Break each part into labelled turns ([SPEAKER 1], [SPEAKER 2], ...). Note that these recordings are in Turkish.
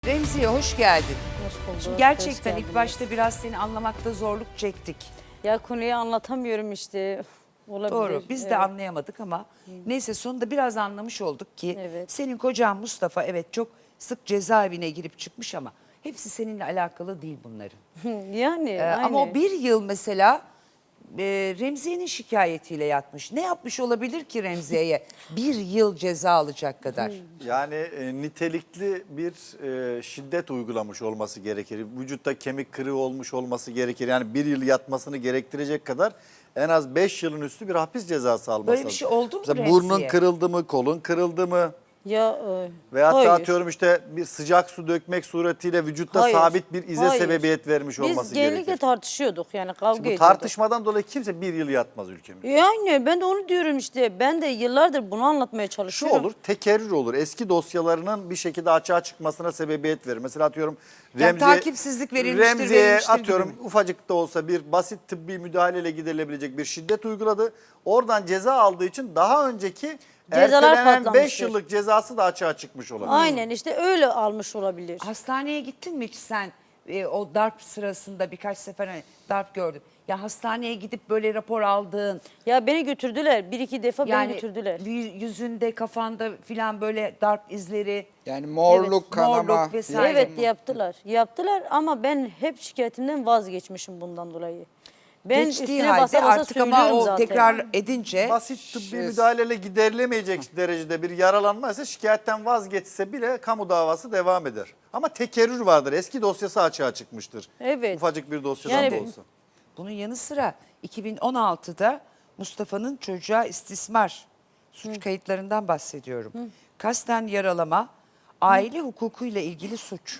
[SPEAKER 1] Remziye hoş geldin.
[SPEAKER 2] Hoş bulduk.
[SPEAKER 1] Şimdi
[SPEAKER 2] Hoş
[SPEAKER 1] gerçekten ilk
[SPEAKER 2] geldiniz.
[SPEAKER 1] başta biraz seni anlamakta zorluk çektik.
[SPEAKER 2] Ya konuyu anlatamıyorum işte. Olabilir.
[SPEAKER 1] Doğru. Biz de
[SPEAKER 2] Evet.
[SPEAKER 1] anlayamadık ama neyse sonunda biraz anlamış olduk ki
[SPEAKER 2] Evet.
[SPEAKER 1] senin kocan Mustafa evet çok sık cezaevine girip çıkmış ama hepsi seninle alakalı değil bunların.
[SPEAKER 2] Yani
[SPEAKER 1] Ama o
[SPEAKER 2] aynı.
[SPEAKER 1] bir yıl mesela Remziye'nin şikayetiyle yatmış. Ne yapmış olabilir ki Remziye'ye bir yıl ceza alacak kadar?
[SPEAKER 3] Yani nitelikli bir şiddet uygulamış olması gerekir. Vücutta kemik kırığı olmuş olması gerekir. Yani bir yıl yatmasını gerektirecek kadar en az 5 yılın üstü bir hapis cezası alması
[SPEAKER 1] Böyle bir
[SPEAKER 3] lazım.
[SPEAKER 1] şey oldu mu
[SPEAKER 3] Mesela
[SPEAKER 1] Remziye?
[SPEAKER 3] burnun kırıldı mı, kolun kırıldı mı?
[SPEAKER 2] Ya
[SPEAKER 3] Veyahut
[SPEAKER 2] hayır.
[SPEAKER 3] da atıyorum işte bir sıcak su dökmek suretiyle vücutta
[SPEAKER 2] Hayır.
[SPEAKER 3] sabit bir ize
[SPEAKER 2] Hayır.
[SPEAKER 3] sebebiyet vermiş olması
[SPEAKER 2] Biz genellikle
[SPEAKER 3] gerekir.
[SPEAKER 2] tartışıyorduk yani kavga
[SPEAKER 3] Şimdi bu
[SPEAKER 2] ediyorduk.
[SPEAKER 3] tartışmadan dolayı kimse bir yıl yatmaz ülkemizde.
[SPEAKER 2] Yani ben de onu diyorum işte. Ben de yıllardır bunu anlatmaya
[SPEAKER 3] Şu
[SPEAKER 2] çalışıyorum.
[SPEAKER 3] olur, tekerrür olur. Eski dosyalarının bir şekilde açığa çıkmasına sebebiyet verir. Mesela atıyorum
[SPEAKER 1] Yani takipsizlik verilmiştir,
[SPEAKER 3] Remziye'ye
[SPEAKER 1] verilmiştir
[SPEAKER 3] atıyorum
[SPEAKER 1] gibi mi?
[SPEAKER 3] ufacık da olsa bir basit tıbbi müdahaleyle giderilebilecek bir şiddet uyguladı. Oradan ceza aldığı için daha önceki
[SPEAKER 2] Cezalar
[SPEAKER 3] ertelenen 5
[SPEAKER 2] patlamıştır.
[SPEAKER 3] yıllık cezası da açığa çıkmış olabilir.
[SPEAKER 2] Aynen işte öyle almış olabilir.
[SPEAKER 1] Hastaneye gittin mi hiç sen o darp sırasında birkaç sefer hani darp gördüm. Ya hastaneye gidip böyle rapor aldığın
[SPEAKER 2] Ya beni götürdüler. Bir iki defa beni
[SPEAKER 1] yani
[SPEAKER 2] götürdüler.
[SPEAKER 1] yüzünde kafanda filan böyle darp izleri
[SPEAKER 4] Yani morluk,
[SPEAKER 2] Evet,
[SPEAKER 4] kanama.
[SPEAKER 1] morluk vesaire.
[SPEAKER 2] Evet yaptılar. Yaptılar ama ben hep şikayetimden vazgeçmişim bundan dolayı. Ben
[SPEAKER 1] geçtiği
[SPEAKER 2] üstüne
[SPEAKER 1] halde
[SPEAKER 2] basa basa
[SPEAKER 1] artık ama
[SPEAKER 2] söylüyorum
[SPEAKER 1] o
[SPEAKER 2] zaten.
[SPEAKER 1] tekrar edince
[SPEAKER 3] Basit tıbbi müdahaleyle giderilemeyecek derecede bir yaralanma ise şikayetten vazgeçse bile kamu davası devam eder. Ama tekerrür vardır. Eski dosyası açığa çıkmıştır.
[SPEAKER 2] Evet.
[SPEAKER 3] Ufacık bir dosyadan
[SPEAKER 2] Yani
[SPEAKER 3] da olsa.
[SPEAKER 1] bunun yanı sıra 2016'da Mustafa'nın çocuğa istismar suç kayıtlarından bahsediyorum. Kasten yaralama, aile hukukuyla ilgili suç,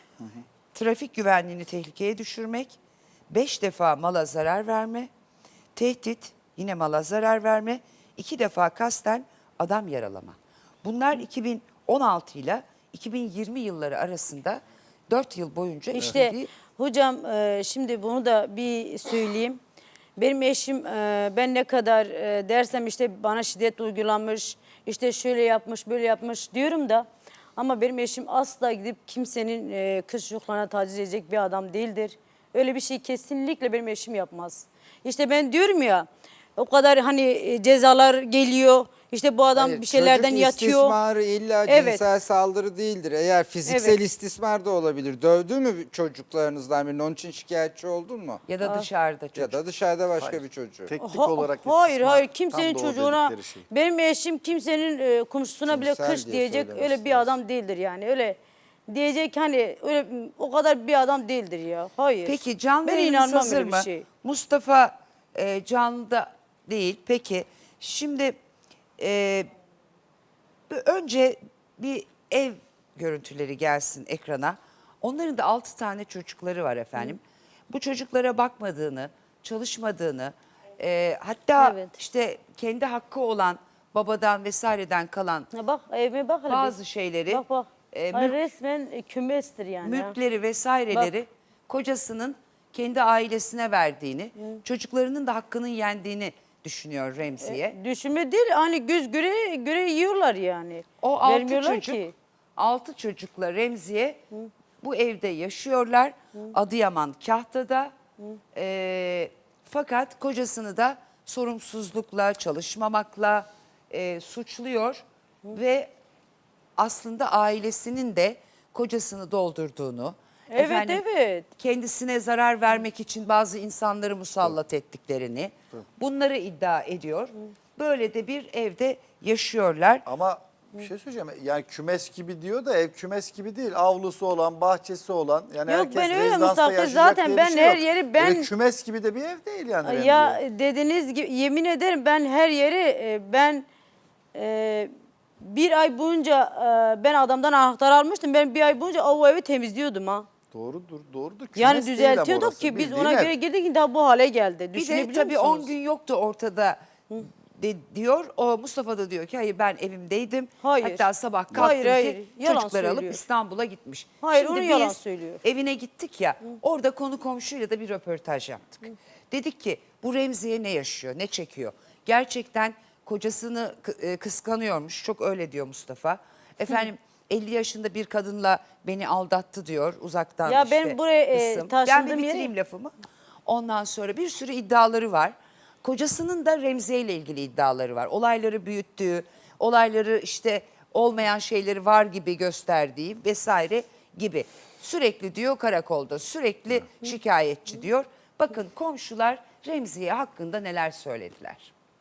[SPEAKER 1] trafik güvenliğini tehlikeye düşürmek, 5 defa mala zarar verme, tehdit, yine mala zarar verme, 2 defa kasten adam yaralama. Bunlar 2016 ile 2020 yılları arasında 4 yıl boyunca
[SPEAKER 2] İşte
[SPEAKER 1] işlediği.
[SPEAKER 2] hocam şimdi bunu da bir söyleyeyim. Benim eşim ben ne kadar dersem işte bana şiddet uygulanmış, işte şöyle yapmış, böyle yapmış diyorum da ama benim eşim asla gidip kimsenin kız çocuklarına taciz edecek bir adam değildir. Öyle bir şey kesinlikle benim eşim yapmaz. İşte ben diyorum ya o kadar hani cezalar geliyor. İşte bu adam
[SPEAKER 4] Hayır,
[SPEAKER 2] bir şeylerden
[SPEAKER 4] çocuk
[SPEAKER 2] yatıyor.
[SPEAKER 4] istismarı illa
[SPEAKER 2] Evet.
[SPEAKER 4] cinsel saldırı değildir. Eğer fiziksel
[SPEAKER 2] Evet.
[SPEAKER 4] istismar da olabilir. Dövdü mü çocuklarınızdan birini? Onun için şikayetçi oldun mu?
[SPEAKER 1] Ya da dışarıda çocuk.
[SPEAKER 4] Ya da dışarıda başka
[SPEAKER 3] Hayır.
[SPEAKER 4] bir çocuğu.
[SPEAKER 3] Teknik
[SPEAKER 2] Ha-
[SPEAKER 3] olarak
[SPEAKER 2] hayır
[SPEAKER 3] istismar
[SPEAKER 2] hayır
[SPEAKER 3] tam
[SPEAKER 2] kimsenin
[SPEAKER 3] da o
[SPEAKER 2] çocuğuna
[SPEAKER 3] dedikleri şey.
[SPEAKER 2] benim eşim kimsenin komşusuna bile
[SPEAKER 4] Cinsel
[SPEAKER 2] kış
[SPEAKER 4] diye
[SPEAKER 2] diyecek
[SPEAKER 4] söylemesi
[SPEAKER 2] öyle bir
[SPEAKER 4] lazım.
[SPEAKER 2] adam değildir yani öyle diyecek hani öyle o kadar bir adam değildir ya hayır.
[SPEAKER 1] Peki canlı
[SPEAKER 2] ben
[SPEAKER 1] yayınımız
[SPEAKER 2] inanmam
[SPEAKER 1] hazır
[SPEAKER 2] öyle bir
[SPEAKER 1] mı?
[SPEAKER 2] şey.
[SPEAKER 1] Mustafa canlıda değil. Peki şimdi önce bir ev görüntüleri gelsin ekrana. Onların da 6 tane çocukları var efendim. Bu çocuklara bakmadığını, çalışmadığını, hatta
[SPEAKER 2] Evet.
[SPEAKER 1] işte kendi hakkı olan babadan vesaireden kalan
[SPEAKER 2] Ha, bak evime bak hele
[SPEAKER 1] bazı
[SPEAKER 2] bir.
[SPEAKER 1] şeyleri,
[SPEAKER 2] Bak bak.
[SPEAKER 1] mülk-
[SPEAKER 2] Resmen kümestir yani. ha.
[SPEAKER 1] mülkleri vesaireleri kocasının kendi ailesine verdiğini, çocuklarının da hakkının yendiğini düşünüyor Remziye.
[SPEAKER 2] Düşünme değil hani göz göre yiyorlar yani.
[SPEAKER 1] O 6
[SPEAKER 2] Vermiyorlar
[SPEAKER 1] çocuk,
[SPEAKER 2] ki.
[SPEAKER 1] 6 çocukla Remziye bu evde yaşıyorlar. Adıyaman Kahta'da. Fakat kocasını da sorumsuzlukla, çalışmamakla suçluyor ve aslında ailesinin de kocasını doldurduğunu,
[SPEAKER 2] Evet, evet.
[SPEAKER 1] kendisine zarar vermek için bazı insanları musallat ettiklerini, bunları iddia ediyor. Böyle de bir evde yaşıyorlar.
[SPEAKER 3] Ama bir şey söyleyeceğim. Yani kümes gibi diyor da ev kümes gibi değil. Avlusu olan, bahçesi olan. Yani
[SPEAKER 2] Yok,
[SPEAKER 3] herkes
[SPEAKER 2] ben öyle
[SPEAKER 3] rezidansta
[SPEAKER 2] Mustafa,
[SPEAKER 3] yaşayacak
[SPEAKER 2] zaten
[SPEAKER 3] diye bir
[SPEAKER 2] ben
[SPEAKER 3] şey
[SPEAKER 2] her
[SPEAKER 3] yok.
[SPEAKER 2] yeri ben-
[SPEAKER 3] Öyle kümes gibi de bir ev değil yani
[SPEAKER 2] Ya
[SPEAKER 3] Remziye.
[SPEAKER 2] dediğiniz gibi yemin ederim ben her yeri ben bir ay boyunca ben adamdan anahtar almıştım. Ben bir ay boyunca o evi temizliyordum ha.
[SPEAKER 3] Doğrudur, doğrudur. Kümes
[SPEAKER 2] Yani
[SPEAKER 3] değil ama
[SPEAKER 2] düzeltiyorduk
[SPEAKER 3] orası,
[SPEAKER 2] ki biz
[SPEAKER 3] bildiğin
[SPEAKER 2] ona
[SPEAKER 3] ev.
[SPEAKER 2] göre girdik ki daha bu hale geldi.
[SPEAKER 1] Bir de
[SPEAKER 2] Düşünebiliyor
[SPEAKER 1] tabii
[SPEAKER 2] musunuz?
[SPEAKER 1] 10 gün yoktu ortada diyor. O Mustafa da diyor ki hayır ben evimdeydim.
[SPEAKER 2] Hayır.
[SPEAKER 1] Hatta sabah kalktım
[SPEAKER 2] Hayır,
[SPEAKER 1] ki
[SPEAKER 2] yalan
[SPEAKER 1] çocukları alıp
[SPEAKER 2] söylüyor.
[SPEAKER 1] İstanbul'a gitmiş.
[SPEAKER 2] Hayır,
[SPEAKER 1] Şimdi
[SPEAKER 2] onu
[SPEAKER 1] biz
[SPEAKER 2] yalan söylüyor.
[SPEAKER 1] evine gittik ya orada konu komşuyla da bir röportaj yaptık. Dedik ki bu Remziye ne yaşıyor, ne çekiyor? Gerçekten kocasını kıskanıyormuş. Çok öyle diyor Mustafa. Efendim 50 yaşında bir kadınla beni aldattı diyor uzaktan
[SPEAKER 2] Ya
[SPEAKER 1] işte.
[SPEAKER 2] ben buraya,
[SPEAKER 1] kısım.
[SPEAKER 2] taşındığım
[SPEAKER 1] Ben bir
[SPEAKER 2] yere-
[SPEAKER 1] bitireyim lafımı. Ondan sonra bir sürü iddiaları var. Kocasının da Remziye ile ilgili iddiaları var. Olayları büyüttüğü, olayları işte olmayan şeyleri var gibi gösterdiği vesaire gibi. Sürekli diyor karakolda, sürekli şikayetçi diyor. Bakın komşular Remziye hakkında neler söylediler.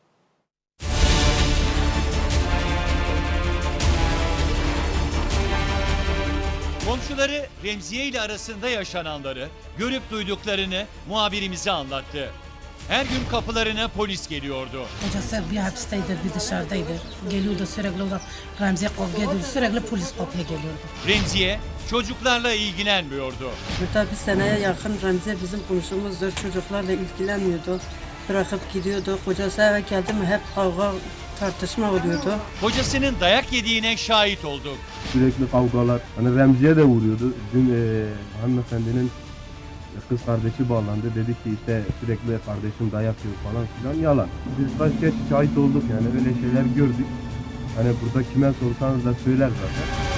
[SPEAKER 5] Komşuları Remziye ile arasında yaşananları, görüp duyduklarını muhabirimize anlattı. Her gün kapılarına polis geliyordu.
[SPEAKER 6] Kocası bir hapisteydi, bir dışarıdaydı. Geliyordu sürekli olarak Remziye kavga ediyordu. Sürekli polis kapıya geliyordu.
[SPEAKER 5] Remziye çocuklarla ilgilenmiyordu.
[SPEAKER 6] Burada bir seneye yakın Remziye bizim komşumuzdur. Çocuklarla ilgilenmiyordu. Bırakıp gidiyordu. Kocası eve geldi mi hep kavga, tartışma oluyordu.
[SPEAKER 5] Kocasının dayak yediğine şahit olduk.
[SPEAKER 7] Sürekli kavgalar. Hani Remziye de vuruyordu. Dün hanımefendinin kız kardeşi bağlandı. Dedi ki işte sürekli kardeşim dayak yiyor falan filan. Yalan. Biz kaç kez şahit olduk yani öyle şeyler gördük. Hani burada kime sorsanız da söyler zaten.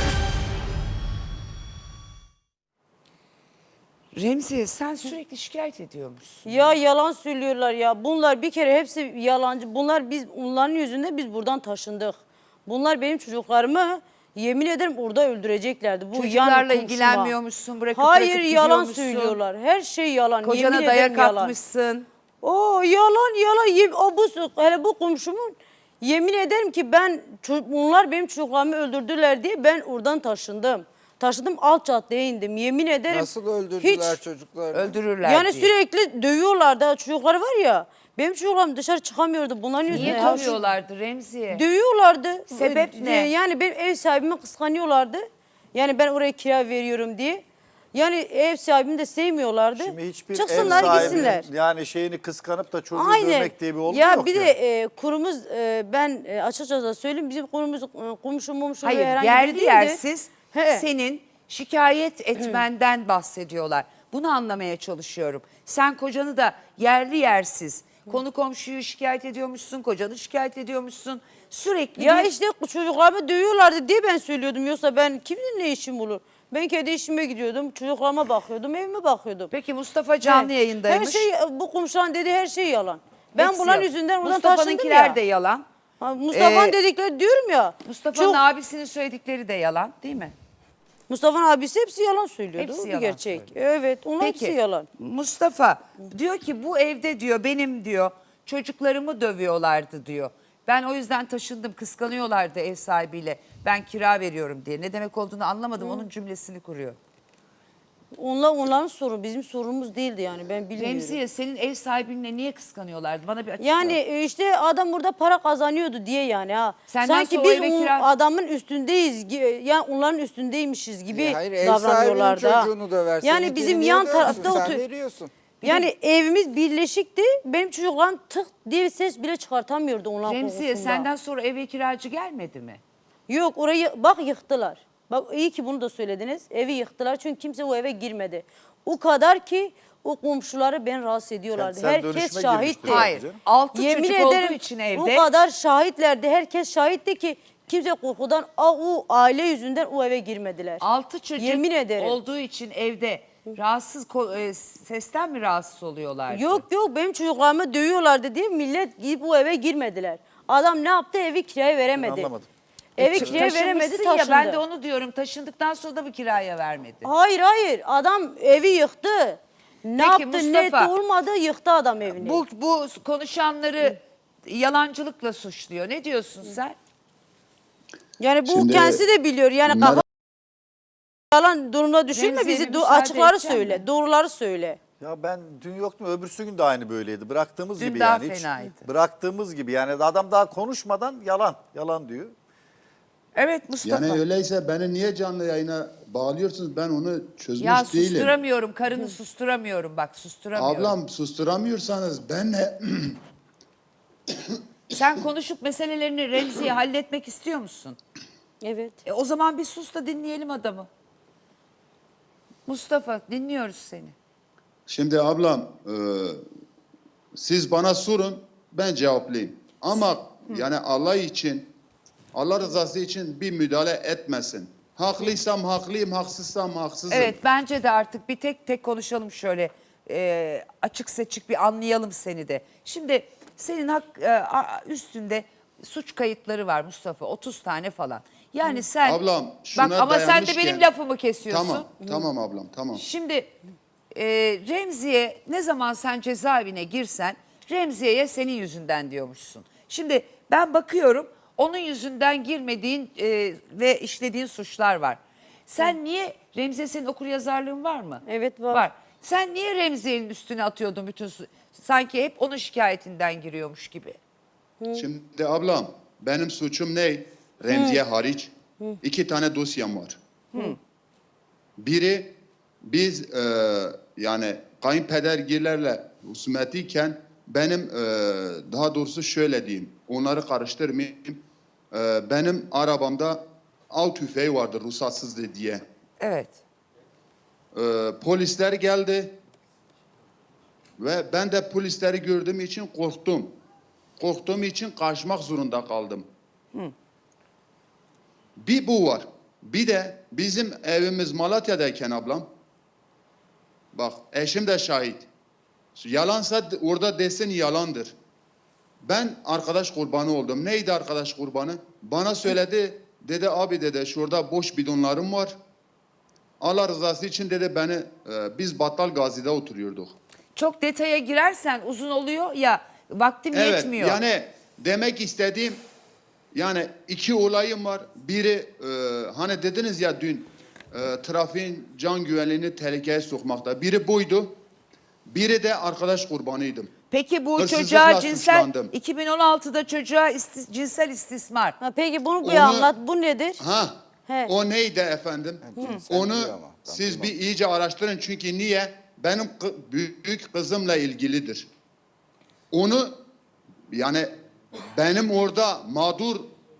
[SPEAKER 1] Remziye sen sürekli şikayet ediyormuşsun.
[SPEAKER 2] Ya yalan söylüyorlar ya. Bunlar bir kere hepsi yalancı. Bunlar onların yüzünden biz buradan taşındık. Bunlar benim çocuklarımı yemin ederim orada öldüreceklerdi. Bu
[SPEAKER 1] Çocuklarla
[SPEAKER 2] yan komşuma.
[SPEAKER 1] ilgilenmiyormuşsun, bırakıp
[SPEAKER 2] Hayır
[SPEAKER 1] bırakıp
[SPEAKER 2] yalan
[SPEAKER 1] gidiyormuşsun.
[SPEAKER 2] söylüyorlar. Her şey yalan.
[SPEAKER 1] Kocana
[SPEAKER 2] yemin
[SPEAKER 1] dayak
[SPEAKER 2] ederim yalan.
[SPEAKER 1] atmışsın.
[SPEAKER 2] O yalan. Hele bu komşumun yemin ederim ki bunlar benim çocuklarımı öldürdüler diye ben oradan taşındım. Taşındım alt caddeye indim. Yemin ederim.
[SPEAKER 4] Nasıl öldürdüler
[SPEAKER 2] hiç,
[SPEAKER 4] çocuklarını?
[SPEAKER 1] Öldürürler
[SPEAKER 2] Yani
[SPEAKER 1] diye.
[SPEAKER 2] sürekli dövüyorlardı. Çocukları var ya. Benim çocuklarım dışarı çıkamıyordu. Bunların yüzünden.
[SPEAKER 1] Niye
[SPEAKER 2] Ya,
[SPEAKER 1] dövüyorlardı Remziye?
[SPEAKER 2] Dövüyorlardı.
[SPEAKER 1] Sebep ne?
[SPEAKER 2] Yani benim ev sahibimi kıskanıyorlardı. Yani ben oraya kira veriyorum diye. Yani ev sahibimi de sevmiyorlardı.
[SPEAKER 3] Şimdi hiçbir
[SPEAKER 2] Çıksınlar
[SPEAKER 3] ev sahibinin
[SPEAKER 2] gitsinler.
[SPEAKER 3] yani şeyini kıskanıp da çocuğu
[SPEAKER 2] Aynen.
[SPEAKER 3] dövmek diye bir olgu
[SPEAKER 2] ya
[SPEAKER 3] yok
[SPEAKER 2] bir
[SPEAKER 3] ya.
[SPEAKER 2] de kurumuz ben açıkçası söyleyeyim bizim kurumuz komşu
[SPEAKER 1] Hayır
[SPEAKER 2] herhangi biri
[SPEAKER 1] yerli
[SPEAKER 2] değildi.
[SPEAKER 1] yersiz
[SPEAKER 2] He.
[SPEAKER 1] senin şikayet etmenden bahsediyorlar. Bunu anlamaya çalışıyorum. Sen kocanı da yerli yersiz konu komşuyu şikayet ediyormuşsun, kocanı şikayet ediyormuşsun. Sürekli
[SPEAKER 2] Ya
[SPEAKER 1] bir-
[SPEAKER 2] işte çocuklarımı dövüyorlardı diye ben söylüyordum. Yoksa ben kimin ne işim olur? Ben kendi işime gidiyordum, çocuklarıma bakıyordum, evime bakıyordum.
[SPEAKER 1] Peki Mustafa canlı
[SPEAKER 2] He.
[SPEAKER 1] yayındaymış.
[SPEAKER 2] Her şey bu komşuların dediği her şey yalan. Ben
[SPEAKER 1] Hepsi
[SPEAKER 2] bunların
[SPEAKER 1] yalan.
[SPEAKER 2] yüzünden buradan taşındım
[SPEAKER 1] Mustafa'nınkiler
[SPEAKER 2] ya.
[SPEAKER 1] de yalan.
[SPEAKER 2] Mustafa'nın dedikleri diyorum ya.
[SPEAKER 1] Mustafa'nın
[SPEAKER 2] çok-
[SPEAKER 1] abisinin söyledikleri de yalan değil mi?
[SPEAKER 2] Mustafa'nın abisi hepsi yalan söylüyordu.
[SPEAKER 1] Hepsi
[SPEAKER 2] O bir
[SPEAKER 1] yalan
[SPEAKER 2] gerçek.
[SPEAKER 1] söylüyor.
[SPEAKER 2] Evet, onlar hepsi yalan.
[SPEAKER 1] Mustafa diyor ki bu evde diyor benim diyor çocuklarımı dövüyorlardı diyor. Ben o yüzden taşındım, kıskanıyorlardı ev sahibiyle. Ben kira veriyorum diye. Ne demek olduğunu anlamadım. Onun cümlesini kuruyor.
[SPEAKER 2] Onların sorunu bizim sorunumuz değildi yani ben bilmiyorum.
[SPEAKER 1] Remziye senin ev sahibinle niye kıskanıyorlardı? Bana bir açıkla.
[SPEAKER 2] Yani işte adam burada para kazanıyordu diye yani ha.
[SPEAKER 1] Senden
[SPEAKER 2] Sanki
[SPEAKER 1] sonra o
[SPEAKER 2] biz
[SPEAKER 1] eve kira-
[SPEAKER 2] adamın üstündeyiz yani onların üstündeymişiz gibi
[SPEAKER 4] Hayır ev
[SPEAKER 2] davranıyorlardı.
[SPEAKER 4] sahibinin
[SPEAKER 2] ha.
[SPEAKER 4] çocuğunu döversin.
[SPEAKER 2] Yani
[SPEAKER 4] ikini
[SPEAKER 2] bizim
[SPEAKER 4] niye
[SPEAKER 2] yan
[SPEAKER 4] döversin?
[SPEAKER 2] tarafta
[SPEAKER 4] Sen
[SPEAKER 2] otur.
[SPEAKER 4] veriyorsun.
[SPEAKER 2] Yani evimiz birleşikti. Benim çocuklarım tık diye ses bile çıkartamıyordu onların
[SPEAKER 1] Remziye
[SPEAKER 2] korkusundan.
[SPEAKER 1] senden sonra eve kiracı gelmedi mi?
[SPEAKER 2] Yok orayı bak yıktılar. Bak iyi ki bunu da söylediniz. Evi yıktılar çünkü kimse o eve girmedi. O kadar ki o komşuları ben rahatsız ediyorlardı.
[SPEAKER 3] Kentsel
[SPEAKER 2] Herkes
[SPEAKER 3] dönüşüme
[SPEAKER 2] şahitti.
[SPEAKER 3] girmiştir.
[SPEAKER 1] Hayır.
[SPEAKER 3] canım.
[SPEAKER 1] 6
[SPEAKER 2] Yemin
[SPEAKER 1] çocuk
[SPEAKER 2] ederim
[SPEAKER 1] olduğu için
[SPEAKER 2] o
[SPEAKER 1] evde.
[SPEAKER 2] kadar şahitlerdi. Herkes şahitti ki kimse korkudan o aile yüzünden o eve girmediler.
[SPEAKER 1] 6 çocuk
[SPEAKER 2] Yemin ederim.
[SPEAKER 1] olduğu için evde sesten mi rahatsız oluyorlardı?
[SPEAKER 2] Yok benim çocuklarımı dövüyorlardı diye millet gidip o eve girmediler. Adam ne yaptı evi kiraya veremedi.
[SPEAKER 3] Anlamadım.
[SPEAKER 2] Evi kiraya veremedi
[SPEAKER 1] Taşınmışsın
[SPEAKER 2] taşındı.
[SPEAKER 1] ya ben de onu diyorum. Taşındıktan sonra da mı kiraya vermedi?
[SPEAKER 2] Hayır adam evi yıktı. Ne
[SPEAKER 1] Peki,
[SPEAKER 2] yaptı ne
[SPEAKER 1] Mustafa,
[SPEAKER 2] etti olmadı yıktı adam evini.
[SPEAKER 1] Bu konuşanları yalancılıkla suçluyor. Ne diyorsun sen?
[SPEAKER 2] Yani bu
[SPEAKER 8] Şimdi
[SPEAKER 2] kendisi de biliyor. Yani
[SPEAKER 8] bunlar-
[SPEAKER 2] kafa yalan durumda düşünme
[SPEAKER 1] Remziye,
[SPEAKER 2] bizi
[SPEAKER 1] bir müsaade
[SPEAKER 2] açıkları
[SPEAKER 1] edecek
[SPEAKER 2] söyle.
[SPEAKER 1] misin?
[SPEAKER 2] Doğruları söyle.
[SPEAKER 3] Ya ben dün yoktum, öbürsü gün de aynı böyleydi. Bıraktığımız
[SPEAKER 1] Dün
[SPEAKER 3] gibi
[SPEAKER 1] daha
[SPEAKER 3] yani. Hiç
[SPEAKER 1] fenaydı.
[SPEAKER 3] bıraktığımız gibi yani adam daha konuşmadan yalan diyor.
[SPEAKER 1] Evet Mustafa.
[SPEAKER 8] Yani öyleyse beni niye canlı yayına bağlıyorsunuz? Ben onu çözmüş
[SPEAKER 1] Ya
[SPEAKER 8] değilim.
[SPEAKER 1] susturamıyorum. Karını susturamıyorum. Bak susturamıyorum.
[SPEAKER 8] Ablam susturamıyorsanız ben ne?
[SPEAKER 1] Sen konuşup meselelerini Remzi'ye halletmek istiyor musun?
[SPEAKER 2] Evet.
[SPEAKER 1] O zaman bir sus da dinleyelim adamı. Mustafa dinliyoruz seni.
[SPEAKER 8] Şimdi ablam siz bana sorun ben cevaplayayım. Ama yani Allah rızası için bir müdahale etmesin. Haklıysam haklıyım, haksızsam haksızım.
[SPEAKER 1] Evet, bence de artık bir tek tek konuşalım şöyle. Açık seçik bir anlayalım seni de. Şimdi senin üstünde suç kayıtları var Mustafa, 30 tane falan. Yani sen
[SPEAKER 8] Ablam, şuna
[SPEAKER 1] bak ama sen de
[SPEAKER 8] dayanmışken-
[SPEAKER 1] benim lafımı kesiyorsun.
[SPEAKER 8] Tamam ablam, tamam.
[SPEAKER 1] Şimdi Remziye ne zaman sen cezaevine girsen Remziye'ye senin yüzünden diyormuşsun. Şimdi ben bakıyorum onun yüzünden girmediğin ve işlediğin suçlar var. Sen niye, Remziye senin okuryazarlığın var mı?
[SPEAKER 2] Evet, var.
[SPEAKER 1] Var. Sen niye Remziye'nin üstüne atıyordun bütün sanki hep onun şikayetinden giriyormuş gibi.
[SPEAKER 8] Şimdi ablam, benim suçum ne? Remziye hariç 2 tane dosyam var. Biri biz yani kayınpedergillerle husumetiyken benim daha doğrusu şöyle diyeyim, onları karıştırmayayım. Benim arabamda av tüfeği vardı ruhsatsızdı diye.
[SPEAKER 1] Evet.
[SPEAKER 8] Polisler geldi ve ben de polisleri gördüğüm için korktum. Korktuğum için kaçmak zorunda kaldım. Bir bu var. Bir de bizim evimiz Malatya'dayken ablam, bak eşim de şahit. Yalansa orada desin yalandır. Ben arkadaş kurbanı oldum. Neydi arkadaş kurbanı? Bana söyledi, dedi abi dedi şurada boş bidonlarım var. Allah rızası için dedi beni, biz Battal Gazi'de oturuyorduk.
[SPEAKER 1] Çok detaya girersen uzun oluyor ya, vaktim yetmiyor.
[SPEAKER 8] Yani demek istediğim, yani 2 olayım var. Biri hani dediniz ya dün trafiğin can güvenliğini tehlikeye sokmakta. Biri buydu. Biri de arkadaş kurbanıydım.
[SPEAKER 1] Peki bu
[SPEAKER 8] Hırsızlıkla
[SPEAKER 1] çocuğa cinsel,
[SPEAKER 8] suçlandım.
[SPEAKER 1] 2016'da çocuğa cinsel istismar.
[SPEAKER 2] Ha, peki bunu bir
[SPEAKER 8] Onu-
[SPEAKER 2] anlat. Bu nedir?
[SPEAKER 8] Ha,
[SPEAKER 2] He.
[SPEAKER 8] o neydi efendim?
[SPEAKER 4] cinsel
[SPEAKER 8] Onu
[SPEAKER 4] diyor ama, ben
[SPEAKER 8] siz bir
[SPEAKER 4] duymadım.
[SPEAKER 8] iyice araştırın çünkü niye? Benim büyük kızımla ilgilidir. Onu yani benim orada mağdur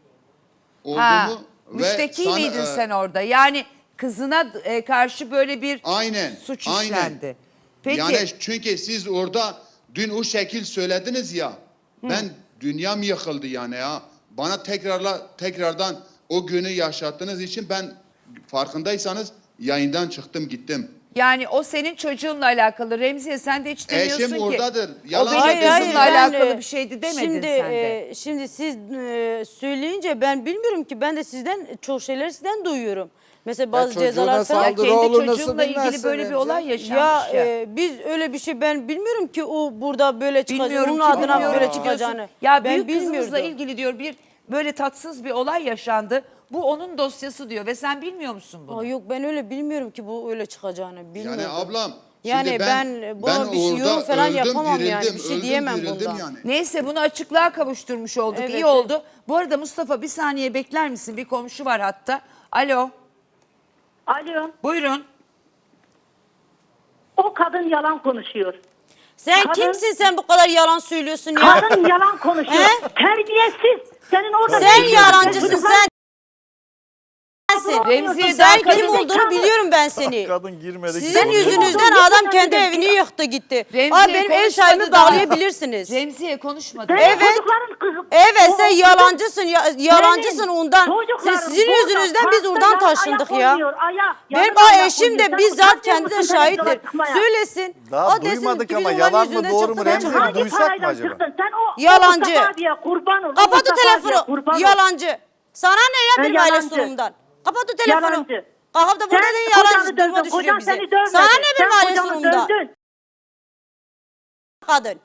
[SPEAKER 1] Ha,
[SPEAKER 8] olduğumu ve
[SPEAKER 1] müşteki
[SPEAKER 8] sana-
[SPEAKER 1] miydin sen orada? Yani kızına karşı böyle bir
[SPEAKER 8] Aynen.
[SPEAKER 1] suç
[SPEAKER 8] aynen.
[SPEAKER 1] işlendi. Peki
[SPEAKER 8] Yani çünkü siz orada dün o şekil söylediniz ya. Ben dünyam yıkıldı yani ya. Bana tekrardan o günü yaşattığınız için ben farkındaysanız yayından çıktım gittim.
[SPEAKER 1] yani o senin çocuğunla alakalı. Remziye sen de hiç demiyorsun
[SPEAKER 8] Eşim
[SPEAKER 1] ki.
[SPEAKER 8] oradadır.
[SPEAKER 1] O
[SPEAKER 8] Yalan
[SPEAKER 1] benim
[SPEAKER 8] söylüyorsun.
[SPEAKER 1] kızımla alakalı bir şeydi demedin
[SPEAKER 2] şimdi,
[SPEAKER 1] sen de.
[SPEAKER 2] Şimdi siz söyleyince ben bilmiyorum ki, ben de sizden çok şeyler sizden duyuyorum. Mesela bazı
[SPEAKER 4] çocuğuna
[SPEAKER 2] cezalar falan.
[SPEAKER 4] saldırı
[SPEAKER 1] Kendi
[SPEAKER 4] olur, nasıl
[SPEAKER 1] çocuğumla ilgili
[SPEAKER 4] bilmezsin
[SPEAKER 1] böyle bir
[SPEAKER 4] Remziye?
[SPEAKER 1] olay yaşanmış ya.
[SPEAKER 2] Biz öyle bir şey, ben bilmiyorum ki o burada böyle çıkacak.
[SPEAKER 1] Bilmiyorum
[SPEAKER 2] Onun
[SPEAKER 1] ki,
[SPEAKER 2] adına
[SPEAKER 1] bilmiyorum
[SPEAKER 2] böyle
[SPEAKER 1] ki
[SPEAKER 2] çıkacağını.
[SPEAKER 1] diyorsun. Ya
[SPEAKER 2] ben
[SPEAKER 1] büyük kızımızla
[SPEAKER 2] bilmiyordum.
[SPEAKER 1] ilgili diyor bir böyle tatsız bir olay yaşandı. Bu onun dosyası diyor ve sen bilmiyor musun bunu?
[SPEAKER 2] Aa, yok, ben öyle bilmiyorum ki bu öyle çıkacağını. Bilmiyordum.
[SPEAKER 8] Yani ablam.
[SPEAKER 2] Yani
[SPEAKER 8] şimdi
[SPEAKER 2] ben buna bir şey,
[SPEAKER 8] orada
[SPEAKER 2] yorum falan
[SPEAKER 8] öldüm,
[SPEAKER 2] yapamam yani.
[SPEAKER 8] dirildim,
[SPEAKER 2] Bir şey
[SPEAKER 8] öldüm,
[SPEAKER 2] diyemem
[SPEAKER 8] dirildim
[SPEAKER 2] bundan.
[SPEAKER 8] yani.
[SPEAKER 1] Neyse bunu açıklığa kavuşturmuş olduk.
[SPEAKER 2] Evet,
[SPEAKER 1] İyi
[SPEAKER 2] evet.
[SPEAKER 1] oldu. Bu arada Mustafa bir saniye bekler misin? Bir komşu var hatta. Alo.
[SPEAKER 9] Alo,
[SPEAKER 1] Buyurun.
[SPEAKER 9] o kadın yalan konuşuyor.
[SPEAKER 2] Sen
[SPEAKER 9] Kadın-
[SPEAKER 2] kimsin, sen bu kadar yalan söylüyorsun ya?
[SPEAKER 9] Kadın yalan konuşuyor.
[SPEAKER 2] He?
[SPEAKER 9] Terbiyesiz. Senin orada
[SPEAKER 2] Sen
[SPEAKER 9] bir-
[SPEAKER 2] yalancısın
[SPEAKER 9] Çocuklar-
[SPEAKER 2] sen.
[SPEAKER 1] Remziye
[SPEAKER 2] Sen
[SPEAKER 1] daha
[SPEAKER 2] kim
[SPEAKER 1] kadın-
[SPEAKER 2] olduğunu biliyorum ben seni.
[SPEAKER 3] Kadın girmedi.
[SPEAKER 2] Sizin
[SPEAKER 3] girmedi.
[SPEAKER 2] yüzünüzden adam kendi evini yıktı gitti.
[SPEAKER 1] Remziye
[SPEAKER 2] Ay benim ev
[SPEAKER 1] konuşmadı
[SPEAKER 2] sahibimi
[SPEAKER 1] daha.
[SPEAKER 2] bağlayabilirsiniz.
[SPEAKER 1] Remziye konuşmadı.
[SPEAKER 9] Senin
[SPEAKER 2] Evet.
[SPEAKER 9] çocukların kızı.
[SPEAKER 2] Evet, sen
[SPEAKER 9] O-
[SPEAKER 2] yalancısın, yalancısın
[SPEAKER 9] Senin
[SPEAKER 2] ondan.
[SPEAKER 9] çocukların
[SPEAKER 2] Sizin
[SPEAKER 9] burada
[SPEAKER 2] yüzünüzden biz
[SPEAKER 9] parkta
[SPEAKER 2] oradan
[SPEAKER 9] ayak
[SPEAKER 2] taşındık ya.
[SPEAKER 9] oynuyor, ayak.
[SPEAKER 2] Benim
[SPEAKER 9] Yanına ayak
[SPEAKER 2] eşim
[SPEAKER 9] oynuyor.
[SPEAKER 2] de
[SPEAKER 9] Sen
[SPEAKER 2] bizzat
[SPEAKER 9] utanmıyor
[SPEAKER 2] kendi de
[SPEAKER 9] musun
[SPEAKER 2] şahittir.
[SPEAKER 9] televizyona çıkmaya?
[SPEAKER 2] Söylesin.
[SPEAKER 3] Daha
[SPEAKER 2] O desin
[SPEAKER 3] duymadık
[SPEAKER 2] ki
[SPEAKER 3] ama
[SPEAKER 2] biz
[SPEAKER 3] yalan
[SPEAKER 2] onların
[SPEAKER 3] mı,
[SPEAKER 2] yüzünden
[SPEAKER 3] doğru
[SPEAKER 2] çıktık,
[SPEAKER 3] mu
[SPEAKER 2] ben
[SPEAKER 3] Remziye?
[SPEAKER 2] çıktım.
[SPEAKER 9] Hangi
[SPEAKER 3] Duysak mı
[SPEAKER 9] parayla
[SPEAKER 3] acaba?
[SPEAKER 9] çıktın? Sen o
[SPEAKER 2] Yalancı.
[SPEAKER 9] Mustafa abiye kurban ol. O
[SPEAKER 2] Kapat o
[SPEAKER 9] Mustafa abiye
[SPEAKER 2] telefonu.
[SPEAKER 9] kurban ol.
[SPEAKER 2] Yalancı. Sana ne ya
[SPEAKER 9] Ha,
[SPEAKER 2] benim aile
[SPEAKER 9] yalancı.
[SPEAKER 2] sunumumdan? Kapat o telefonu.
[SPEAKER 9] Yalancı.
[SPEAKER 2] Kalkıp da burada
[SPEAKER 9] Sen
[SPEAKER 2] dedin
[SPEAKER 9] kocanı
[SPEAKER 2] yalancı duruma
[SPEAKER 9] dövdün.
[SPEAKER 2] düşürüyor
[SPEAKER 9] Kocan
[SPEAKER 2] bizi.
[SPEAKER 9] seni dövmedi.
[SPEAKER 2] Sana ne benim
[SPEAKER 9] Sen
[SPEAKER 2] aile
[SPEAKER 9] kocanı
[SPEAKER 2] sunumumdan?
[SPEAKER 9] dövdün.
[SPEAKER 2] Kadın.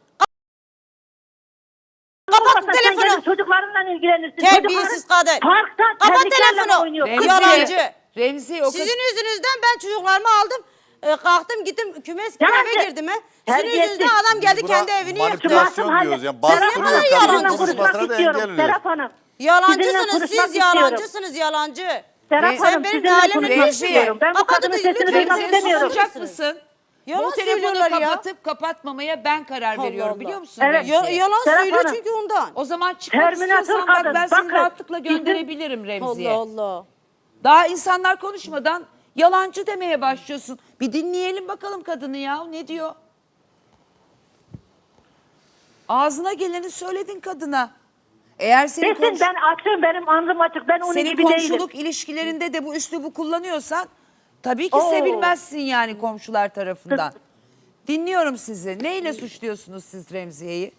[SPEAKER 9] Olmasa
[SPEAKER 2] Kapat
[SPEAKER 9] sen
[SPEAKER 2] telefonu.
[SPEAKER 9] kendi çocuklarınla ilgilenirsin.
[SPEAKER 2] Terbiyesiz
[SPEAKER 9] Çocukların
[SPEAKER 2] kadın.
[SPEAKER 9] Parkta
[SPEAKER 2] Kapat
[SPEAKER 9] terliklerle
[SPEAKER 2] telefonu.
[SPEAKER 9] oynuyor.
[SPEAKER 2] Remziye.
[SPEAKER 9] Kız
[SPEAKER 2] Yalancı.
[SPEAKER 1] Remziye o
[SPEAKER 2] Sizin yüzünüzden ben çocuklarımı aldım. Kalktım gittim kümes gibi
[SPEAKER 9] Yalancı.
[SPEAKER 2] eve girdim. Sizin
[SPEAKER 9] Terbiyesiz.
[SPEAKER 2] yüzünüzden adam geldi
[SPEAKER 3] Buna
[SPEAKER 2] kendi evini yıktı.
[SPEAKER 3] manipülasyon
[SPEAKER 9] Masum
[SPEAKER 3] diyoruz yani.
[SPEAKER 9] Serap
[SPEAKER 3] Bastırıyor
[SPEAKER 2] Hanım,
[SPEAKER 3] kadın
[SPEAKER 2] yalancısınız.
[SPEAKER 3] konuşmasına da engel oluyor.
[SPEAKER 9] Serap Hanım. Sizinle
[SPEAKER 2] Yalancısınız
[SPEAKER 9] konuşmak
[SPEAKER 2] siz,
[SPEAKER 9] istiyorum.
[SPEAKER 2] yalancısınız, yalancı.
[SPEAKER 9] Serap
[SPEAKER 1] Sen
[SPEAKER 9] Hanım
[SPEAKER 2] benim
[SPEAKER 9] sizinle
[SPEAKER 2] halimle
[SPEAKER 9] konuşmak
[SPEAKER 1] Remziye.
[SPEAKER 9] istiyorum. Ben bu
[SPEAKER 2] Kapat
[SPEAKER 9] kadının
[SPEAKER 2] lütfen.
[SPEAKER 9] sesini duymak
[SPEAKER 2] Remziye,
[SPEAKER 9] istemiyorum.
[SPEAKER 1] susacak mısın?
[SPEAKER 2] Yalan
[SPEAKER 1] Bu telefonu
[SPEAKER 2] söylüyorlar ya.
[SPEAKER 1] kapatıp kapatmamaya ben karar
[SPEAKER 2] Allah
[SPEAKER 1] veriyorum
[SPEAKER 2] Allah.
[SPEAKER 1] biliyor musun?
[SPEAKER 9] Evet.
[SPEAKER 1] Remziye?
[SPEAKER 2] Yalan
[SPEAKER 9] Serap
[SPEAKER 2] söylüyor
[SPEAKER 9] Hanım.
[SPEAKER 2] çünkü ondan.
[SPEAKER 1] O zaman çıkmak
[SPEAKER 9] Terminator
[SPEAKER 1] istiyorsan bak
[SPEAKER 9] kadın,
[SPEAKER 1] ben seni
[SPEAKER 9] bakın.
[SPEAKER 1] rahatlıkla
[SPEAKER 9] Bizim-
[SPEAKER 1] gönderebilirim Remziye.
[SPEAKER 2] Allah Allah.
[SPEAKER 1] Daha insanlar konuşmadan yalancı demeye başlıyorsun. Bir dinleyelim bakalım kadını ya ne diyor? Ağzına geleni söyledin kadına. Eğer senin,
[SPEAKER 9] Desin ben açım, benim alnım açık, ben onun
[SPEAKER 1] senin
[SPEAKER 9] gibi değilim.
[SPEAKER 1] komşuluk ilişkilerinde de bu üslubu kullanıyorsan tabii ki
[SPEAKER 9] Oo.
[SPEAKER 1] sevilmezsin yani komşular tarafından. Dinliyorum sizi. Neyle suçluyorsunuz siz Remziye'yi?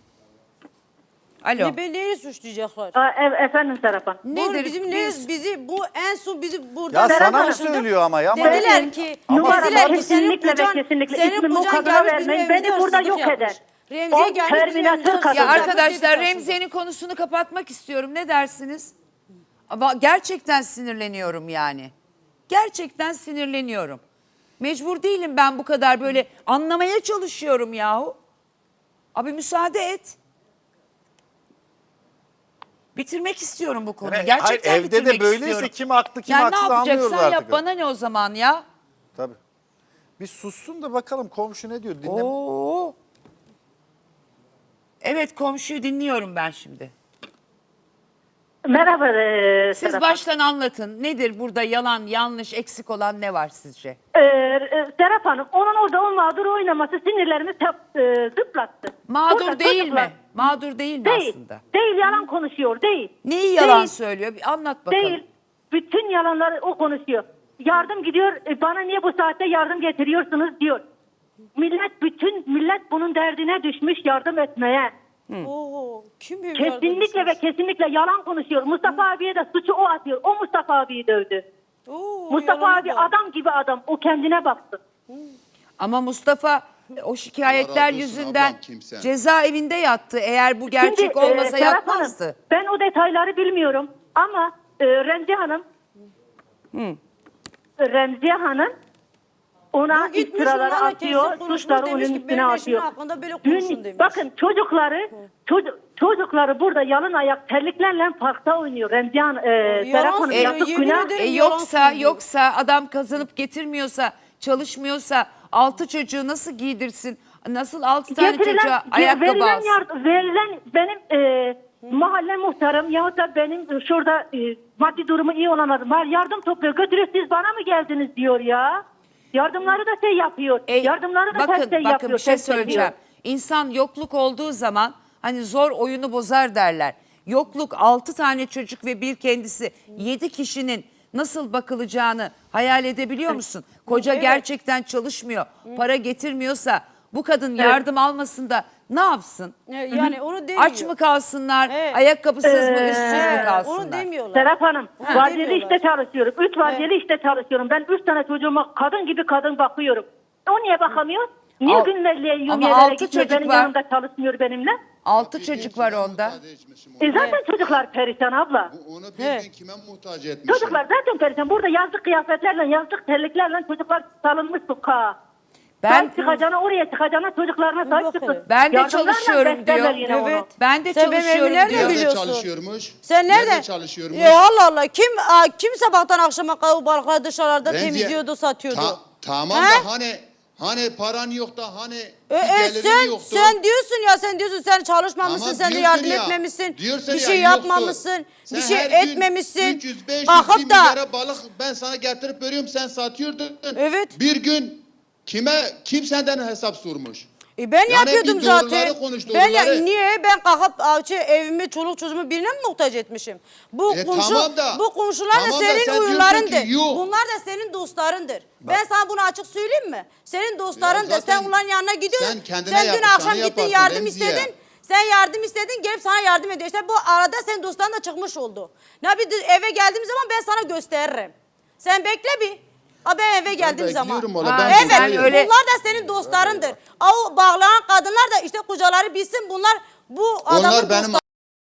[SPEAKER 1] Alo.
[SPEAKER 2] Ne neyi suçlayacaklar?
[SPEAKER 9] Efendim Serap Hanım.
[SPEAKER 1] Nedir?
[SPEAKER 2] Bizim bizi bu en son bizi burada
[SPEAKER 3] Ya
[SPEAKER 9] Serap
[SPEAKER 3] sana mı
[SPEAKER 9] Hanım.
[SPEAKER 3] söylüyor ama ya?
[SPEAKER 2] dediler ki
[SPEAKER 9] Numara
[SPEAKER 2] dediler ki senin
[SPEAKER 9] kesinlikle ve
[SPEAKER 2] kocan
[SPEAKER 9] kesinlikle
[SPEAKER 2] senin
[SPEAKER 9] ismimi o
[SPEAKER 2] kocan
[SPEAKER 9] kadına
[SPEAKER 2] gelmiş bizim
[SPEAKER 9] vermeyin.
[SPEAKER 2] evimizde
[SPEAKER 9] Beni burada
[SPEAKER 2] hırsızlık
[SPEAKER 9] yok
[SPEAKER 2] yapmış.
[SPEAKER 9] eder.
[SPEAKER 2] Remziye
[SPEAKER 9] O
[SPEAKER 2] gelmiş bizim
[SPEAKER 9] terminatör
[SPEAKER 2] evimizde
[SPEAKER 9] kadın.
[SPEAKER 1] Ya
[SPEAKER 9] Ya
[SPEAKER 1] arkadaşlar Remziye'nin konusunu kapatmak istiyorum. Ne dersiniz? Ama gerçekten sinirleniyorum yani. Gerçekten sinirleniyorum. Mecbur değilim ben bu kadar böyle anlamaya çalışıyorum yahu. Abi müsaade et. Bitirmek istiyorum bu konuyu.
[SPEAKER 3] Yani
[SPEAKER 1] Gerçekten
[SPEAKER 3] hayır, evde de
[SPEAKER 1] bitirmek
[SPEAKER 3] böyleyse
[SPEAKER 1] istiyorum.
[SPEAKER 3] kim haklı, kim
[SPEAKER 1] yani
[SPEAKER 3] haksız
[SPEAKER 1] ne
[SPEAKER 3] anlıyoruz
[SPEAKER 1] yapacaksan yap
[SPEAKER 3] artık.
[SPEAKER 1] bana ne o zaman ya?
[SPEAKER 3] Tabii. Bir sussun da bakalım komşu ne diyor. Dinle.
[SPEAKER 1] Oo. Evet komşuyu dinliyorum ben şimdi.
[SPEAKER 9] Merhaba
[SPEAKER 1] Siz
[SPEAKER 9] Serap Hanım.
[SPEAKER 1] baştan anlatın. Nedir burada yalan, yanlış, eksik olan ne var sizce?
[SPEAKER 9] Serap Hanım, onun orada o mağdur oynaması sinirlerimi zıplattı.
[SPEAKER 1] Mağdur
[SPEAKER 9] Burada
[SPEAKER 1] değil
[SPEAKER 9] çocuklar-
[SPEAKER 1] mi? Mağdur değil mi
[SPEAKER 9] Değil.
[SPEAKER 1] aslında?
[SPEAKER 9] Değil, yalan konuşuyor, değil.
[SPEAKER 1] Neyi yalan
[SPEAKER 9] Değil.
[SPEAKER 1] söylüyor? Bir anlat bakalım.
[SPEAKER 9] Değil. Bütün yalanları o konuşuyor. Yardım gidiyor, bana niye bu saatte yardım getiriyorsunuz diyor. Bütün millet bunun derdine düşmüş yardım etmeye.
[SPEAKER 2] Oo, kim bir
[SPEAKER 9] Kesinlikle ve kesinlikle yalan konuşuyor. Mustafa abiye de suçu o atıyor. O Mustafa abiyi dövdü. Mustafa abi adam gibi adam. O kendine baktı.
[SPEAKER 1] Ama Mustafa o şikayetler
[SPEAKER 8] Allah razı olsun
[SPEAKER 1] yüzünden
[SPEAKER 8] ablam, kimsen.
[SPEAKER 1] cezaevinde yattı. Eğer bu gerçek
[SPEAKER 9] Şimdi,
[SPEAKER 1] olmasa
[SPEAKER 9] Serap
[SPEAKER 1] yatmazdı.
[SPEAKER 9] Hanım, ben o detayları bilmiyorum ama Remziye Hanım ona
[SPEAKER 2] gitmiş
[SPEAKER 9] iftiraları
[SPEAKER 2] onlarla
[SPEAKER 9] atıyor,
[SPEAKER 2] kesin konuşmuş,
[SPEAKER 9] suçları
[SPEAKER 2] demiş
[SPEAKER 9] onun
[SPEAKER 2] ki,
[SPEAKER 9] üstüne
[SPEAKER 2] benim eşimin
[SPEAKER 9] atıyor.
[SPEAKER 2] hakkında böyle konuşun demiş.
[SPEAKER 9] Bakın çocukları burada yalın ayak terliklerle parkta oynuyor. Remziye Hanım, Serap Hanım
[SPEAKER 2] söylüyor,
[SPEAKER 9] yazık
[SPEAKER 2] yemin
[SPEAKER 9] günah.
[SPEAKER 2] ederim. Yalan söylüyor.
[SPEAKER 1] Yoksa adam kazanıp getirmiyorsa, çalışmıyorsa 6 çocuğu nasıl giydirsin? Nasıl 6 tane çocuğa ayakkabı alsın?
[SPEAKER 9] Verilen benim mahalle muhtarım yahut da benim şurada maddi durumu iyi olanlarım var. Yardım topluyor. Götürüyor, siz bana mı geldiniz diyor ya. Yardımları da şey yapıyor. Yardımları da
[SPEAKER 1] bakın,
[SPEAKER 9] ters şey
[SPEAKER 1] bakın
[SPEAKER 9] yapıyor.
[SPEAKER 1] bir şey
[SPEAKER 9] ters ediyor.
[SPEAKER 1] söyleyeceğim. İnsan yokluk olduğu zaman hani zor oyunu bozar derler. Yokluk 6 tane çocuk ve bir kendisi 7 kişinin nasıl bakılacağını hayal edebiliyor musun? Koca gerçekten çalışmıyor, para getirmiyorsa bu kadın yardım almasın da ne yapsın?
[SPEAKER 2] Yani onu demiyor.
[SPEAKER 1] Aç mı kalsınlar,
[SPEAKER 2] Evet.
[SPEAKER 1] ayakkabısız mı, üstsüz mü
[SPEAKER 2] Onu
[SPEAKER 1] kalsınlar?
[SPEAKER 2] demiyorlar.
[SPEAKER 9] Serap Hanım, vardiyeli
[SPEAKER 2] demiyorlar.
[SPEAKER 9] işte çalışıyorum. 3 vardiyeli işte çalışıyorum. Ben 3 tane çocuğuma kadın gibi kadın bakıyorum. O niye bakamıyor? Niye
[SPEAKER 1] Al-
[SPEAKER 9] günlerliğe
[SPEAKER 1] Ama
[SPEAKER 9] yumyelere
[SPEAKER 1] 6
[SPEAKER 9] gitmiyor,
[SPEAKER 1] çocuk
[SPEAKER 9] benim
[SPEAKER 1] var.
[SPEAKER 9] yanımda çalışmıyor benimle?
[SPEAKER 1] 6 çocuk var onda.
[SPEAKER 9] Zaten çocuklar perişan abla.
[SPEAKER 8] Onu bir gün kime muhtaç etmişim?
[SPEAKER 9] Çocuklar zaten perişan. Burada yazlık kıyafetlerle, yazlık terliklerle çocuklar salınmış sokağa.
[SPEAKER 1] Ben
[SPEAKER 9] Sahip çıkacağına, oraya çıkacağına çocuklarına sahip
[SPEAKER 2] bakın.
[SPEAKER 9] çıkın.
[SPEAKER 1] Ben de
[SPEAKER 9] Yardımlarla
[SPEAKER 1] çalışıyorum
[SPEAKER 9] beslerler
[SPEAKER 1] diyor.
[SPEAKER 9] yine onu.
[SPEAKER 2] Evet.
[SPEAKER 1] Ben de
[SPEAKER 2] Sen benim
[SPEAKER 1] çalışıyorum
[SPEAKER 2] evimi nerede
[SPEAKER 1] diyor.
[SPEAKER 8] Nerede
[SPEAKER 2] biliyorsun?
[SPEAKER 8] çalışıyormuş?
[SPEAKER 2] Sen nerede?
[SPEAKER 8] çalışıyormuş?
[SPEAKER 2] Allah Allah. Kim sabahtan akşama kadar o balıkları dışarıda
[SPEAKER 8] Remziye,
[SPEAKER 2] temizliyordu, satıyordu?
[SPEAKER 8] Tamam
[SPEAKER 2] He?
[SPEAKER 8] da hani paran yok da hani bir gelirin
[SPEAKER 2] Sen
[SPEAKER 8] yoktu.
[SPEAKER 2] sen diyorsun sen çalışmamışsın,
[SPEAKER 8] Tamam,
[SPEAKER 2] sen de
[SPEAKER 8] diyorsun
[SPEAKER 2] yardım
[SPEAKER 8] ya.
[SPEAKER 2] etmemişsin,
[SPEAKER 8] Diyorsun
[SPEAKER 2] bir
[SPEAKER 8] ya,
[SPEAKER 2] şey
[SPEAKER 8] yoktu.
[SPEAKER 2] yapmamışsın,
[SPEAKER 8] Sen
[SPEAKER 2] bir şey
[SPEAKER 8] her gün
[SPEAKER 2] etmemişsin.
[SPEAKER 8] 300-500
[SPEAKER 2] Kalkıp
[SPEAKER 8] bir
[SPEAKER 2] da
[SPEAKER 8] milyara balık ben sana getirip veriyorum, sen satıyordun.
[SPEAKER 2] Evet.
[SPEAKER 8] Bir gün kim senden hesap sormuş?
[SPEAKER 2] Ben
[SPEAKER 8] Yani
[SPEAKER 2] yapıyordum
[SPEAKER 8] bir doğruları
[SPEAKER 2] zaten.
[SPEAKER 8] konuş,
[SPEAKER 2] Ben
[SPEAKER 8] doğruları.
[SPEAKER 2] niye ben kalkıp evimi, çoluk çocuğumu birine mi muhtaç etmişim? Bu
[SPEAKER 8] tamam da-
[SPEAKER 2] bu komşular
[SPEAKER 8] tamam
[SPEAKER 2] da
[SPEAKER 8] da
[SPEAKER 2] senin
[SPEAKER 8] sen diyorsun
[SPEAKER 2] uyurlarındır.
[SPEAKER 8] ki yok.
[SPEAKER 2] Bunlar da senin dostlarındır. Ben sana bunu açık söyleyeyim mi? Senin dostlarındır.
[SPEAKER 8] zaten
[SPEAKER 2] Sen onların yanına gidiyorsun.
[SPEAKER 8] sen kendine
[SPEAKER 2] Sen dün
[SPEAKER 8] yapacağını
[SPEAKER 2] akşam gittin
[SPEAKER 8] yaparsın
[SPEAKER 2] yardım
[SPEAKER 8] Remziye.
[SPEAKER 2] istedin. Sen yardım istedin, gelip sana yardım ediyor. İşte bu arada senin dostların da çıkmış oldu. Ne bir eve geldiğim zaman ben sana gösteririm. Sen bekle bir. Ben eve geldiğim zaman.
[SPEAKER 8] bekliyorum valla,
[SPEAKER 1] ben
[SPEAKER 2] Evet,
[SPEAKER 1] buradayım. öyle-
[SPEAKER 2] bunlar da senin dostlarındır. O bağlanan kadınlar da işte kocaları bilsin bunlar bu adamın
[SPEAKER 8] Onlar benim
[SPEAKER 2] dostları.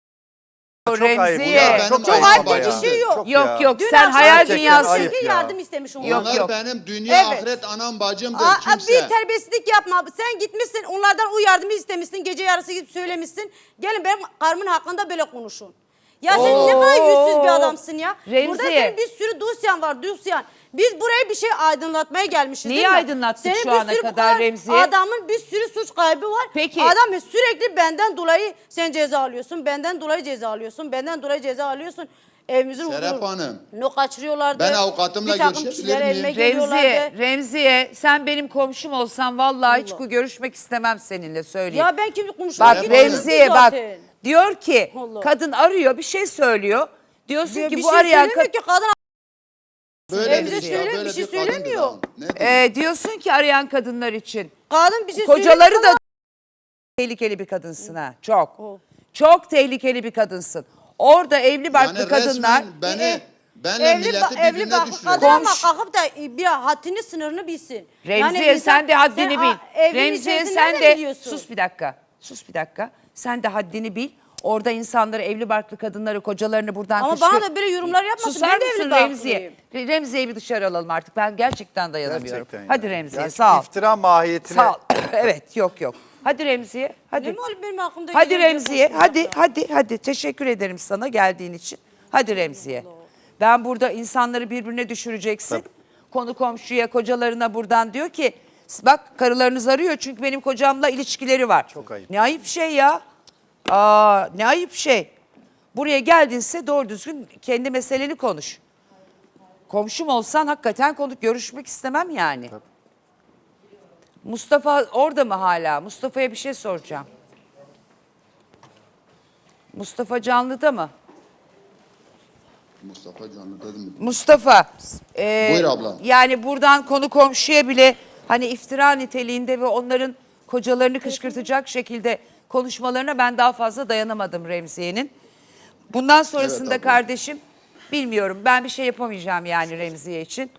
[SPEAKER 3] Çok ayıp.
[SPEAKER 1] Remziye.
[SPEAKER 3] Ya,
[SPEAKER 8] benim
[SPEAKER 3] çok
[SPEAKER 2] ayıp
[SPEAKER 3] ayıp
[SPEAKER 2] bir
[SPEAKER 3] ya.
[SPEAKER 2] şey yok.
[SPEAKER 3] Çok
[SPEAKER 1] Yok
[SPEAKER 3] ya.
[SPEAKER 1] yok
[SPEAKER 2] Dün
[SPEAKER 1] sen
[SPEAKER 2] akşam
[SPEAKER 1] hayal
[SPEAKER 3] gerçekten
[SPEAKER 1] dünyası.
[SPEAKER 3] ayıp ya.
[SPEAKER 2] yardım istemiş onlar.
[SPEAKER 1] Yok,
[SPEAKER 8] Onlar
[SPEAKER 1] yok.
[SPEAKER 8] benim dünya
[SPEAKER 2] Evet.
[SPEAKER 8] ahiret anam bacımdır kimse.
[SPEAKER 2] Bir terbiyesizlik yapma. Sen gitmişsin onlardan o yardımı istemişsin. Gece yarısı gidip söylemişsin. Gelin benim karımın hakkında böyle konuşun. Ya sen ne kadar yüzsüz bir adamsın ya.
[SPEAKER 1] Remziye.
[SPEAKER 2] Burada senin bir sürü dosyan var, dosyan. Biz buraya bir şey aydınlatmaya gelmişiz
[SPEAKER 1] Neyi
[SPEAKER 2] değil mi?
[SPEAKER 1] aydınlattık
[SPEAKER 2] Senin
[SPEAKER 1] şu
[SPEAKER 2] bir
[SPEAKER 1] ana
[SPEAKER 2] sürü bu
[SPEAKER 1] kadar Remziye?
[SPEAKER 2] Adamın bir sürü suç kaybı var.
[SPEAKER 1] Peki.
[SPEAKER 2] Adam sürekli benden dolayı sen ceza alıyorsun. Benden dolayı ceza alıyorsun. Benden dolayı ceza alıyorsun. Evimizin
[SPEAKER 8] Serap
[SPEAKER 2] huzuru.
[SPEAKER 8] Hanım.
[SPEAKER 2] No kaçırıyorlardı.
[SPEAKER 8] Ben avukatımla
[SPEAKER 2] Bir takım
[SPEAKER 8] görüşebilir
[SPEAKER 2] kişiler
[SPEAKER 8] miyim?
[SPEAKER 2] elime geliyorlardı.
[SPEAKER 1] Remziye sen benim komşum olsan vallahi hiç görüşmek istemem seninle söyleyeyim.
[SPEAKER 2] Ya ben kimle konuşmak
[SPEAKER 1] Bak
[SPEAKER 8] Serap Hanım.
[SPEAKER 1] Remziye bak Diyor ki
[SPEAKER 2] Allah.
[SPEAKER 1] kadın arıyor bir şey söylüyor. Diyorsun
[SPEAKER 2] Bir
[SPEAKER 1] ki bu
[SPEAKER 2] şey
[SPEAKER 1] arayan
[SPEAKER 2] söylemiyor ki kadın.
[SPEAKER 8] Böyle
[SPEAKER 2] Evde
[SPEAKER 8] bir
[SPEAKER 2] söyle-
[SPEAKER 8] böyle
[SPEAKER 2] bir şey
[SPEAKER 8] kadındır
[SPEAKER 2] söylemiyor.
[SPEAKER 8] ha. Ne diyeyim?
[SPEAKER 1] diyorsun ki arayan kadınlar için
[SPEAKER 2] Kadın bir şey
[SPEAKER 1] kocaları
[SPEAKER 2] söylemiyor
[SPEAKER 1] da
[SPEAKER 2] ama-
[SPEAKER 1] tehlikeli bir kadınsın ha. Çok.
[SPEAKER 2] O.
[SPEAKER 1] Çok tehlikeli bir kadınsın. Orada evli barklı
[SPEAKER 8] Yani
[SPEAKER 1] kadınlar
[SPEAKER 8] resmen benle milleti
[SPEAKER 2] evli
[SPEAKER 8] birbirine
[SPEAKER 2] baklı
[SPEAKER 8] düşürüyor.
[SPEAKER 2] kadın ama
[SPEAKER 1] Komşu-
[SPEAKER 2] kalkıp da bir haddini sınırını bilsin.
[SPEAKER 1] Remziye
[SPEAKER 2] insan-
[SPEAKER 1] sen de haddini
[SPEAKER 2] sen,
[SPEAKER 1] bil.
[SPEAKER 2] evin
[SPEAKER 1] Remziye
[SPEAKER 2] içerisinden
[SPEAKER 1] sen
[SPEAKER 2] de
[SPEAKER 1] de
[SPEAKER 2] biliyorsun.
[SPEAKER 1] sus bir dakika. Sus bir dakika. Sen de haddini bil. Orada insanları, evli barklı kadınları, kocalarını buradan
[SPEAKER 2] Ama bana da böyle yorumlar yapmasın.
[SPEAKER 1] Susar
[SPEAKER 2] Ben de
[SPEAKER 1] mısın
[SPEAKER 2] evli
[SPEAKER 1] Remziye?
[SPEAKER 2] barklıyım.
[SPEAKER 1] Remziye'yi bir dışarı alalım artık. Ben gerçekten dayanamıyorum.
[SPEAKER 3] Gerçekten
[SPEAKER 1] Hadi
[SPEAKER 3] yani.
[SPEAKER 1] Remziye
[SPEAKER 3] Yani
[SPEAKER 1] sağ ol.
[SPEAKER 3] İftira mahiyetine.
[SPEAKER 1] Sağ ol. Evet yok. Hadi Remziye.
[SPEAKER 2] Ne
[SPEAKER 1] Hadi.
[SPEAKER 2] malum benim aklımda
[SPEAKER 1] Hadi
[SPEAKER 2] geliyor,
[SPEAKER 1] Remziye.
[SPEAKER 2] boş boş
[SPEAKER 1] Hadi. Teşekkür ederim sana geldiğin için. Hadi Remziye. Ben burada insanları birbirine düşüreceksin. Konu komşuya, kocalarına buradan diyor ki bak karılarınız arıyor çünkü benim kocamla ilişkileri var.
[SPEAKER 3] Çok ayıp.
[SPEAKER 1] Ne ayıp şey ya. Ne ayıp şey. Buraya geldinse doğru düzgün kendi meseleni konuş. Komşum olsan hakikaten görüşmek istemem yani. Mustafa orada mı hala? Mustafa'ya bir şey soracağım. Mustafa canlıda mı?
[SPEAKER 8] Mustafa Canlı dedim mi?
[SPEAKER 1] Mustafa.
[SPEAKER 8] Buyur abla.
[SPEAKER 1] Yani buradan konu komşuya bile hani iftira niteliğinde ve onların kocalarını kışkırtacak şekilde konuşmalarına ben daha fazla dayanamadım Remziye'nin. Bundan sonrasında
[SPEAKER 8] abla.
[SPEAKER 1] kardeşim bilmiyorum ben bir şey yapamayacağım yani Remziye için.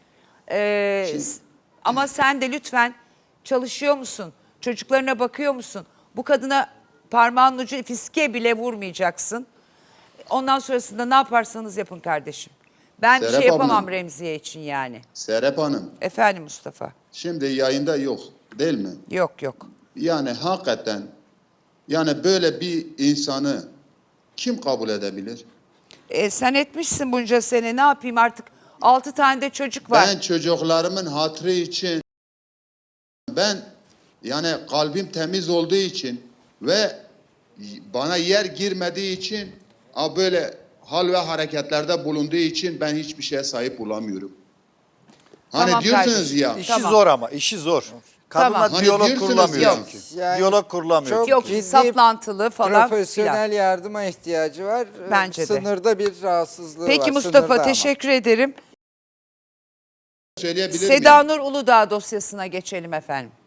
[SPEAKER 1] Ama sen de lütfen çalışıyor musun? Çocuklarına bakıyor musun? Bu kadına parmağın ucu fiske bile vurmayacaksın. Ondan sonrasında ne yaparsanız yapın kardeşim. Ben bir
[SPEAKER 8] Serap
[SPEAKER 1] şey yapamam
[SPEAKER 8] ablam.
[SPEAKER 1] Remziye için yani.
[SPEAKER 8] Serap Hanım,
[SPEAKER 1] Efendim Mustafa.
[SPEAKER 8] şimdi yayında yok değil mi?
[SPEAKER 1] Yok.
[SPEAKER 8] Yani hakikaten yani böyle bir insanı kim kabul edebilir?
[SPEAKER 1] Sen etmişsin bunca sene ne yapayım artık 6 tane de çocuk var.
[SPEAKER 8] Ben çocuklarımın hatırı için ben yani kalbim temiz olduğu için ve bana yer girmediği için böyle hal ve hareketlerde bulunduğu için ben hiçbir şeye sahip olamıyorum. Hani
[SPEAKER 1] Tamam
[SPEAKER 8] diyorsunuz
[SPEAKER 1] kardeşim.
[SPEAKER 8] ya.
[SPEAKER 3] İşi
[SPEAKER 1] Tamam.
[SPEAKER 3] zor ama işi zor. Kadınla
[SPEAKER 1] Tamam.
[SPEAKER 8] Hani
[SPEAKER 3] diyalog
[SPEAKER 8] diyorsunuz
[SPEAKER 3] kurulamıyor
[SPEAKER 8] ya.
[SPEAKER 3] çünkü.
[SPEAKER 4] Yani
[SPEAKER 3] Diyalog kurulamıyor.
[SPEAKER 4] çok-
[SPEAKER 1] Yok
[SPEAKER 4] ciddi
[SPEAKER 1] saplantılı falan
[SPEAKER 4] Profesyonel
[SPEAKER 1] filan.
[SPEAKER 4] yardıma ihtiyacı var.
[SPEAKER 1] Bence de.
[SPEAKER 4] Sınırda bir rahatsızlığı var.
[SPEAKER 1] Peki Mustafa
[SPEAKER 4] sınırda ama.
[SPEAKER 1] teşekkür ederim.
[SPEAKER 8] Söyleyebilir miyim?
[SPEAKER 1] Seda Nur Uludağ dosyasına geçelim efendim.